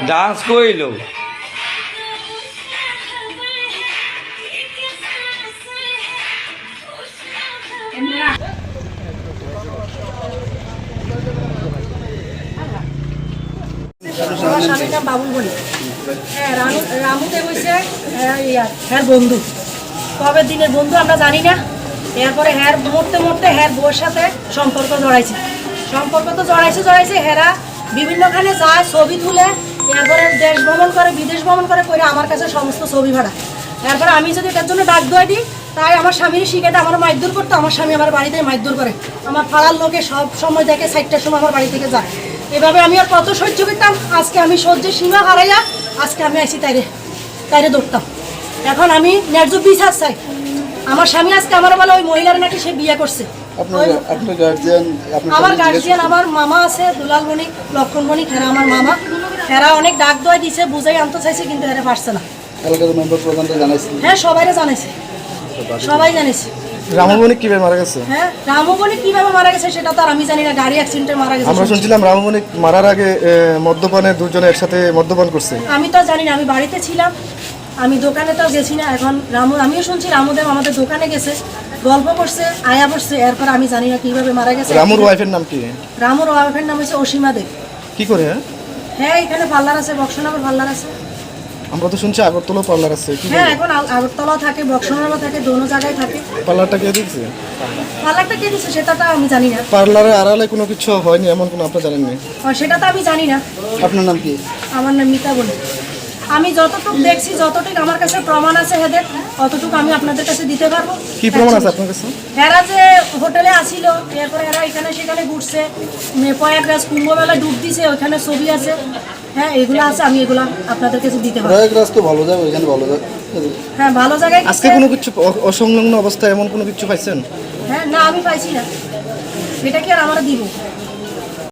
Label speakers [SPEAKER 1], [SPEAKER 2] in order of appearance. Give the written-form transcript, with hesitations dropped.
[SPEAKER 1] Dance কইলো
[SPEAKER 2] আমার স্বামীর নাম বাবুল বলি। হ্যাঁ, রামুতে বসে হ্যাঁ বন্ধু, কবে দিনের বন্ধু আমরা জানি না। এরপরে হ্যার মরতে মরতে হ্যার বউর সাথে সম্পর্ক তো জড়াইছে হেরা বিভিন্নখানে যায়, ছবি তুলে, এরপরে দেশ ভ্রমণ করে, বিদেশ ভ্রমণ করে আমার কাছে সমস্ত ছবি ভাড়া। এরপরে আমি যদি এটার জন্য ডাক দোয়া দিই, তাই আমার স্বামীর শিখেটা আমার মারধর করতো। আমার স্বামী আমার বাড়িতে মারধর করে, আমার পাড়ার লোকে সব সময় দেখে 4টার সময় আমার বাড়ি থেকে যায়। এভাবে আমি আর কত সহ্য করতাম। আজকে আমি সহ্যের সীমা হারাইয়া আজকে আমি আসি তাইরে ধরতাম। এখন আমি ন্যায্য বিচার চাই। আমার স্বামী আজকে আমার বলে ওই মহিলার নাকি সে বিয়ে করছে। আমার গার্জিয়ান আমার মামা আছে, দুলাল বণিক, লক্ষণ বণিক, হেরা আমার মামা। হেরা অনেক ডাক দোয়া দিছে, বুঝাই আনতে চাইছে, কিন্তু হেরা পারছে না। হ্যাঁ, সবাইরে জানাইছে, সবাই জানিছে।
[SPEAKER 3] রামু বণিক কিভাবে মারা গেছে?
[SPEAKER 2] হ্যাঁ, রামু বণিক কিভাবে মারা গেছে সেটা তো আর আমি জানি না। গাড়ি অ্যাক্সিডেন্টে মারা গেছে
[SPEAKER 3] আমরা শুনছিলাম রামু বণিক মারার আগে মদ্যপানে দুজনে একসাথে মদ্যপান করছে।
[SPEAKER 2] আমি তো জানি না, আমি বাড়িতে ছিলাম, আমি দোকানে তো গেছি না। এখন আমিও শুনছি রামুদেব আমাদের দোকানে গেছে, গল্প করছে, আয়া পড়ছে। এরপর আমি জানি না কিভাবে মারা গেছে।
[SPEAKER 3] রামুর ওয়াইফের নাম কি?
[SPEAKER 2] রামুর ওয়াইফের নাম হচ্ছে অসীমা দেব।
[SPEAKER 3] কি করে?
[SPEAKER 2] হ্যাঁ, এখানে পার্লার আছে, বক্সনগর পার্লার আছে।
[SPEAKER 3] আমরা তো শুনছি আগরতলা পার্লার আছে।
[SPEAKER 2] হ্যাঁ, এখন আগরতলা থাকে, বক্সনগর থাকে, দোনো জায়গায় থাকে।
[SPEAKER 3] পার্লারটা কে দিচ্ছে?
[SPEAKER 2] পার্লারটা কে দিচ্ছে সেটা তো আমি জানি না।
[SPEAKER 3] পার্লারে আড়ালে কোনো কিছু হয়নি এমন কোনো আপনি জানেন না?
[SPEAKER 2] সেটা তো আমি জানি না।
[SPEAKER 3] আপনার নাম কি?
[SPEAKER 2] আমার নাম মিতা বলি। আমি যতটুকু দেখছি, যতটুকু আমার কাছে প্রমাণ আছে হেদের, অতটুকু আমি আপনাদের কাছে দিতে পারবো।
[SPEAKER 3] কি প্রমাণ আছে আপনার কাছে?
[SPEAKER 2] এরা যে হোটেলে আসিল, এরপরে এরা এখানে সেখানে ঘুরছে, প্রয়াগরাজ কুম্ভমেলা ডুব দিছে, ওইখানে ছবি আছে। হ্যাঁ, এগুলো আছে, আমি এগুলো আপনাদের কাছে দিতে পারবো।
[SPEAKER 3] প্রয়াগরাজ তো ভালো জায়গা, ওইখানে ভালো জায়গা।
[SPEAKER 2] হ্যাঁ, ভালো জায়গায়।
[SPEAKER 3] আজকে কোনো কিছু অসংলগ্ন অবস্থায় এমন কোনো কিছু পাইছেন?
[SPEAKER 2] হ্যাঁ, না, আমি পাইছি না। এটা কি আর আমরা দিব?